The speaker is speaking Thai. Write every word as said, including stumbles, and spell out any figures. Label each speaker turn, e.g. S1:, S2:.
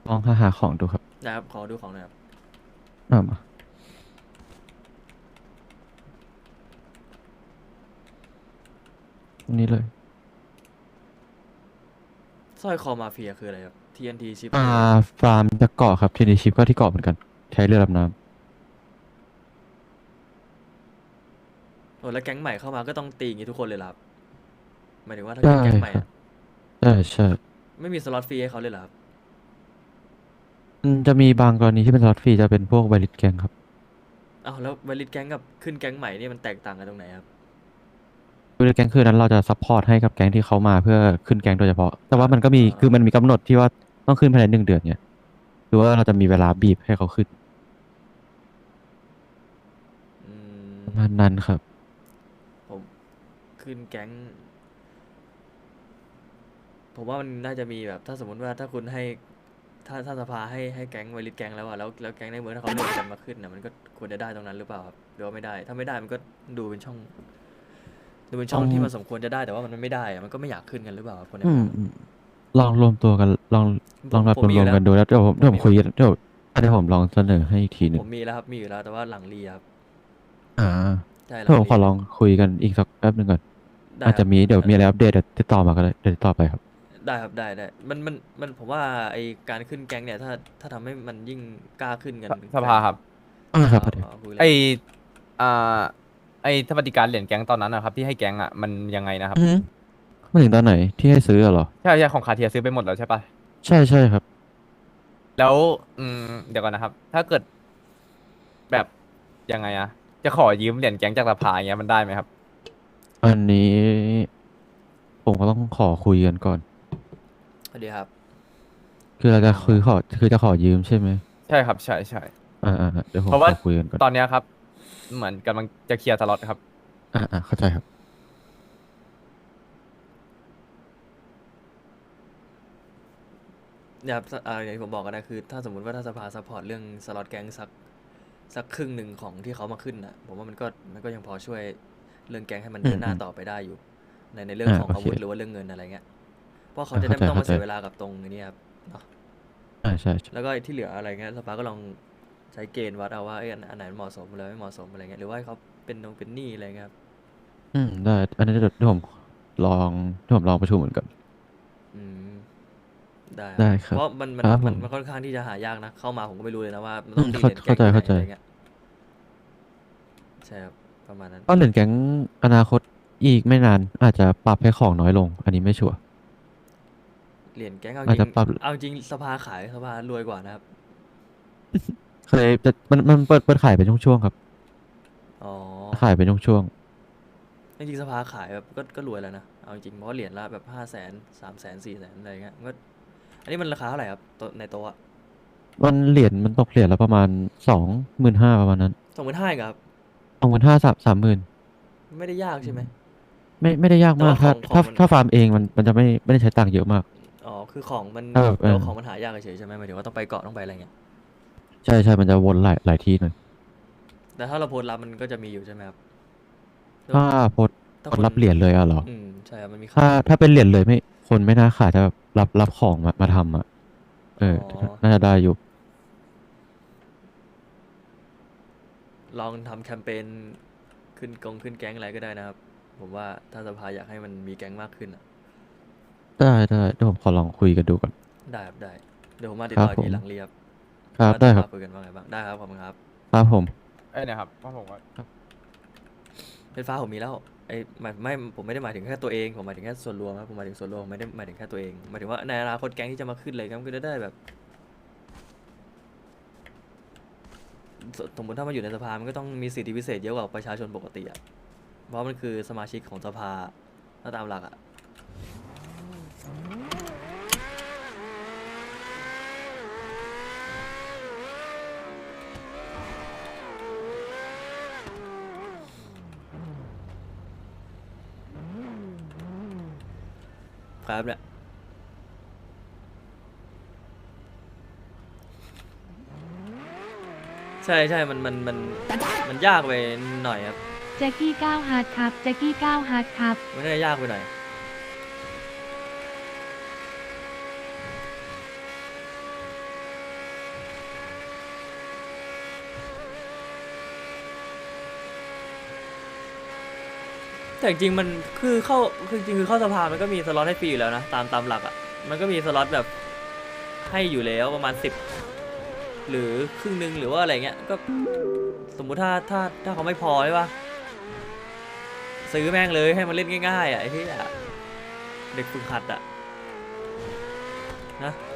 S1: ลองหาหาของดูครับ
S2: นะครับขอดูของหน่อยครับ
S1: อ่ามาอันนี้เลย
S2: สร้อยคอมาเฟียคืออะไรครับ ที เอ็น ที ชิป
S1: อ่า
S2: คืออะไร
S1: ฟาร์มจากเกาะครับทีนี้ชิปก็ที่เกาะเหมือนกันใช้เรือดำน้
S2: โอ้แล้วแก๊งใหม่เข้ามาก็ต้องตีอย่างงี้ทุกคนเลยเหรอครับหมายถึงว่า
S1: ำ
S2: ถ้า
S1: ใช่
S2: ขึ้นแก๊งใหม่
S1: ครับ
S2: อะ
S1: ใช่ใช่
S2: ไม่มีสล็อตฟรีให้เขาเลยเหรอครับ
S1: อืมจะมีบางกรณีที่เป็นสล็อตฟรีจะเป็นพวกไวริสแกงครับ
S2: อ้าวแล้ววลิตแก๊งกับขึ้นแก๊งใหม่นี่มันแตกต่างกันตรงไหนครับ
S1: ไวริสแกงคือนั้นเราจะซัพพอร์ตให้กับแก๊งที่เขามาเพื่อขึ้นแก๊งโดยเฉพาะแต่
S2: อ่า
S1: ว่ามันก็มี
S2: อ่า
S1: คือมันมีกำหนดที่ว่าต้องขึ้นภายในหนึ่งเดือนเนี่ยหรือว่าเราจะมีเวลาบีบให้เขาขึ้น
S2: อืม
S1: ประมาณนั้นครับ
S2: ผมขึ้นแก๊งผมว่ามันน่าจะมีแบบถ้าสมมติว่าถ้าคุณให้ถ้าถ้าสภาให้ให้แก๊งวลิตแก๊งแล้วอะแล้วแล้วแก๊งในเมืองถ้าเขาเลือกกันมาขึ้นนะมันก็ควรจะได้ตรงนั้นหรือเปล่าครับหรือว่าไม่ได้ถ้าไม่ได้มันก็ดูเป็นช่อง ดูเป็น
S1: ต้อง
S2: ช่องที่มันสมควรจะได้แต่ว่ามันไม่ได้อะมันก็ไม่อยากขึ้นกันหรือเปล่าครับคนใน
S1: อืม
S2: เมือง
S1: ลองรวมตัวกันลองล
S2: ผม
S1: องนัด
S2: ผมมีอยู่แล้ว
S1: รวมๆกันดูแล้วเดี๋ยวผมเดี๋ยวผม
S2: ผมมีผม
S1: คุยกันเดี๋ยวเดี๋ยวผมลองเสนอให้อีกทีหนึ่ง
S2: ผมมีแล้วครับมีอยู่แล้วแต่ว่าหลังรีครับ
S1: อ่า
S2: ใช่ห
S1: เดี๋ยวผมขอลอง
S2: ลังรีเลย
S1: คุยกันอีกสักแป๊บหนึ่งก่อน
S2: ได้ครับ
S1: อาจจะมีเดี๋ยว
S2: เอ่อ
S1: มีอะไรอัปเดตเดี๋ยวติดต่อมาก็ได้เดี๋ยวติดต่อไปครับ
S2: ได้ครับได้ได้มันมันมันผมว่าไอการขึ้นแก๊งเนี่ยถ้าถ้าทำให้มันยิ่งกล้าขึ้นกัน
S3: สส
S2: กัน
S3: ภาครับ
S1: อ่า
S2: อ่า
S1: ครับประเดี๋ยว
S2: เอาเอาคุยเล
S3: ไอ
S2: ยครับ
S3: อ่าไอสวัสดิการเหรียญแก๊งตอนนั้นนะครับที่ให้แก๊งอ่ะมันยังไงนะครับ
S1: อืมมาถึงตอนไหนที่ให้ซื้ออะเหรอ
S3: ใช่ใช่ของคาเทียซื้อไปหมดแล้วใช่ปะ
S1: ใช่ใช่ครับ
S3: แล้วอืมเดี๋ยวก่อนนะครับถ้าเกิดแบบยังไงอะจะขอยืมเหรียญแก๊งจากสภาอย่างเงี้ยมันได้ไหมครับ
S1: อันนี้ผมก็ต้องขอคุยกันก่อน
S2: สวัสดีครับ
S1: คือเราจะ
S2: อ๋อ
S1: คือขอคือจะขอยืมใช่ไหม
S3: ใช่ครับใช่ใช่
S1: อ่าอ่าอ่าเดี๋ยวผมข
S3: เพราะว่า
S1: อคุยกันก่อน
S3: ตอนเนี้ยครับเหมือนกำลังจะเคลียร์สล็อตครับ
S1: อ่าอ่าเข้าใจครับ
S2: เนี่ยครับอ่าอย่างที่ผมบอกกันนะคือถ้าสมมติว่าถ้าสภาซัพพอร์ตเรื่องสล็อตแก๊งสักสักครึ่งหนึ่งของที่เขามาขึ้นอ่ะผมว่ามันก็มันก็ยังพอช่วยเรื่องแก๊งให้มันเดินหน้า
S1: อืมอืม
S2: ต่อไปได้อยู่ในในเรื่อง
S1: อ่า
S2: ของอา
S1: โอเค
S2: วุธหรือว่าเรื่องเงินอะไรเงี้ย เพราะเขา
S1: อ่าเข้า
S2: จะได้ไม่ต้อง
S1: ใจเข้าใจ
S2: มาเสียเวลากับตรงนี้ครับเนาะ
S1: อ่าใช่ใช่
S2: แล้วก็ไอ้ที่เหลืออะไรเงี้ยสภาก็ลองใช้เกณฑ์วัดเอาว่าเอ้ยอันอันไหนเหมาะสมอะไรไม่เหมาะสมอะไรเงี้ยหรือว่าให้เขาเป็นนงเป็นหนี้อะไรเงี้ยครับ
S1: อืมได้อันนี้เดี๋ยวเดี๋ยวผมลองเดี๋ยวผมลองประชุมเหมือนกัน
S2: อืมได้ครับ
S1: ได้ครับ
S2: เพราะมันมัน
S1: ครับผม
S2: มันมันค่อนข้างที่จะหายากนะเข้ามาผมก็ไม่รู้เลยนะว่ามัน
S1: อืมเข้า
S2: ต้องตีเหรียญแก๊
S1: เข้า
S2: งที่ไหน
S1: ใจเข้าใจ
S2: อะไรเงี้ยใช่ครับประมาณนั้น
S1: ก็เหรียญแก๊งอนาคตอีกไม่นานอาจจะปรับให้ของน้อยลงอันนี้ไม่ชัวร์
S2: เหรียญแก๊งเอาจริง
S1: อาจจะปรับ
S2: เอาจริงสภาขายสภารวยกว่านะครับ
S1: เคยจะมันมันเปิดเปิดขายเป็นช่วงๆครับ
S2: อ๋อ
S1: ขายเป็นช่วง
S2: จริงๆสภาขายแบบก็ก็รวยแล้วนะเอาจริงเพราะว่าเหรียญละแบบห้าแสนสามแสนสี่แสนอะไรเงี้ยมันก็อันนี้มันราคาเท่าไหร่ครับตัวในโต๊ะอะ
S1: ๆมันเหรียญมันตกเหรียญละประมาณสองหมื่นห้าประมาณนั้น
S2: สองหมื่นห้าครับ
S1: สองหมื่นห้าสามสามหมื่น
S2: ไม่ได้ยากใช่ไหม
S1: ไม่ไม่ได้ยาก
S2: แต่ว่าข
S1: มากถ้าถ้า
S2: องของมัน
S1: ถ้าฟาร์มเองมันมันจะไม่ไม่ได้ใช้ตังค์เยอะมาก
S2: อ๋อคือของมัน
S1: ถ้าแบบเออ
S2: แต่ว่าของมันหายากเฉยๆใช่ไหมหมายถึงว่าต้องไปเกาะต้องไปอะไรเงี้ย
S1: ใช่ใช่มันจะวนหลายหลายที่หน่อย
S2: แต่ถ้าเราโพสต์รับมันก็จะมีอยู่ใช่ไหมครับแล้ว
S1: ถ้าโพสต์
S2: ถ้าคน
S1: โพสต์รับเหรียญเลยอะเหรอ
S2: อืมใช่ครับมันมี
S1: ถ้า
S2: ขายอยู่
S1: ถ้าเป็นเหรียญเลยไม่คนไม่น่าขายถ้าแบบรับรับของมามาทำอะเอ
S2: อ๋อ
S1: อน่าจะได้อยู่
S2: ลองทำแคมเปญขึ้นกงขึ้นแก๊งอะไรก็ได้นะครับผมว่าถ้าสภาอยากให้มันมีแก๊งมากขึ้นอะ
S1: ได้ได้เดี๋ยวผมขอลองคุยกันดูก่อน
S2: ได้ครับได้เดี๋ยวผมมาติดต่ออีก
S1: ครับผม
S2: ทีหลังเรียบ
S1: ครับ
S2: ว่า
S1: ได้ครับ
S2: สภาคุยกันว่าไงบ้างได้ครับขอบคุณครับ
S1: ครับผม
S3: เอ้ยเนะครับเพราะผมว่า
S2: เป็นฟ้าผมมีแล้วไอ้หมายไม่ผมไม่ได้หมายถึงแค่ตัวเองผมหมายถึงแค่ส่วนรวมครับผมหมายถึงส่วนรวมไม่ได้หมายถึงแค่ตัวเองหมายถึงว่าในอนาคตแก๊งที่จะมาขึ้นเลยครับก็จะได้แบบ สสมมติถ้ามาอยู่ในสภามันก็ต้องมีสิทธิพิเศษเยอะกว่าประชาชนปกติอ่ะ เพราะมันคือสมาชิกของสภาถ้าตามหลักอ่ะครับเนี่ยใช่ใช่มันมันมันมันยากไปหน่อยครับ
S4: แจ็คกี้ก้าวฮาร์ดครับแจ็คกี้ก้าวฮาร์ดครับ
S2: มันน่าจะยากไปหน่อยแต่จริงๆมันคือเข้าคือจริงๆคือเข้าสภามันก็มีสล็อตให้ฟรีอยู่แล้วนะตามตามหลักอ่ะมันก็มีสล็อตแบบให้อยู่แล้วประมาณสิบหรือครึ่งหนึ่งหรือว่าอะไรเงี้ยก็สมมุติถ้าถ้าถ้าเขาไม่พอใช่ปะซื้อแม่งเลยให้มันเล่นง่ายๆอ่ะไอ้ที่เด็กฝึกหัดอ่ะนะ